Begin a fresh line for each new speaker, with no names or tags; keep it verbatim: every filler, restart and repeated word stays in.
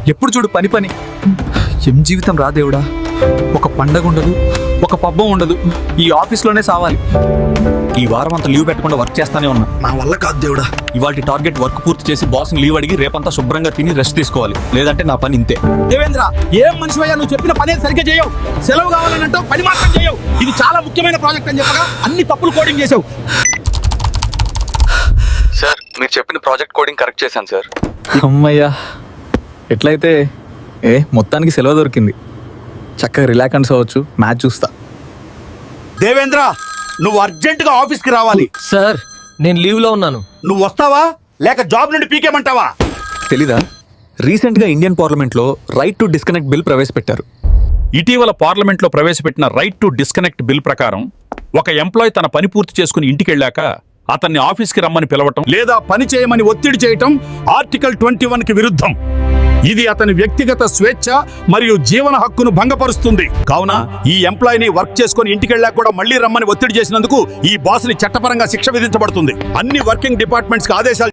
ఎప్పుడు చూడు పని పని. ఏం జీవితం రా దేవుడా. ఒక పండగ ఉండదు, ఒక పబ్బం ఉండదు, ఈ ఆఫీస్లోనే సావాలి. ఈ వారం అంతా లీవ్ పెట్టకుండా వర్క్ చేస్తానే ఉన్నా.
నా వల్ల కాదు దేవుడా.
ఇవాళ టార్గెట్ వర్క్ పూర్తి చేసి బాస్ని లీవ్ అడిగి రేపంతా శుభ్రంగా తిని రెస్ట్ తీసుకోవాలి, లేదంటే నా పని ఇంతే.
దేవేంద్ర, ఏం మనిషివయ్యా నువ్వు? చెప్పిన పని సరిగ్గా చేయవు. సెలవు కావాలనంటే పని మాత్రం చేయవు. ఇది చాలా ముఖ్యమైన ప్రాజెక్ట్ అని చెప్పగా అన్ని తప్పులు కోడింగ్ చేసావు.
సార్, మీరు చెప్పిన ప్రాజెక్ట్ కోడింగ్ కరెక్ట్ చేశాను సార్. అమ్మయ్యా, ఎట్లయితే ఏ మొత్తానికి సెలవు దొరికింది. చక్కగా రిలాక్స్ అవ్వచ్చు, మ్యాచ్ చూస్తా.
దేవేంద్ర, నువ్వు అర్జెంట్ గా ఆఫీస్ కి రావాలి.
సార్, నేను లీవ్ లో ఉన్నాను.
నువ్వు వస్తావా లేక జాబ్ నుండి పీకేమంటావా?
తెలీదా? రీసెంట్ గా ఇండియన్ పార్లమెంట్ లో రైట్ టు డిస్కనెక్ట్ బిల్ ప్రవేశపెట్టారు.
ఇటీవల పార్లమెంట్లో ప్రవేశపెట్టిన రైట్ టు డిస్కనెక్ట్ బిల్ ప్రకారం ఒక ఎంప్లాయ్ తన పని పూర్తి చేసుకుని ఇంటికి వెళ్ళాక అతన్ని ఆఫీస్కి రమ్మని పిలవటం లేదా పని చేయమని ఒత్తిడి చేయటం ఆర్టికల్ ట్వంటీ వన్ కి విరుద్ధం. ఇది అతని వ్యక్తిగత స్వేచ్ఛ మరియు జీవన హక్కును భంగపరుస్తుంది. కావున ఈ ఎంప్లాయీని వర్క్ చేసుకుని ఇంటికి వెళ్ళాక కూడా మళ్లీ రమ్మని ఒత్తిడి చేసినందుకు ఈ బాస్ ని చట్టపరంగా శిక్ష విధించబడుతుంది. అన్ని వర్కింగ్ డిపార్ట్మెంట్స్ కి ఆదేశాలు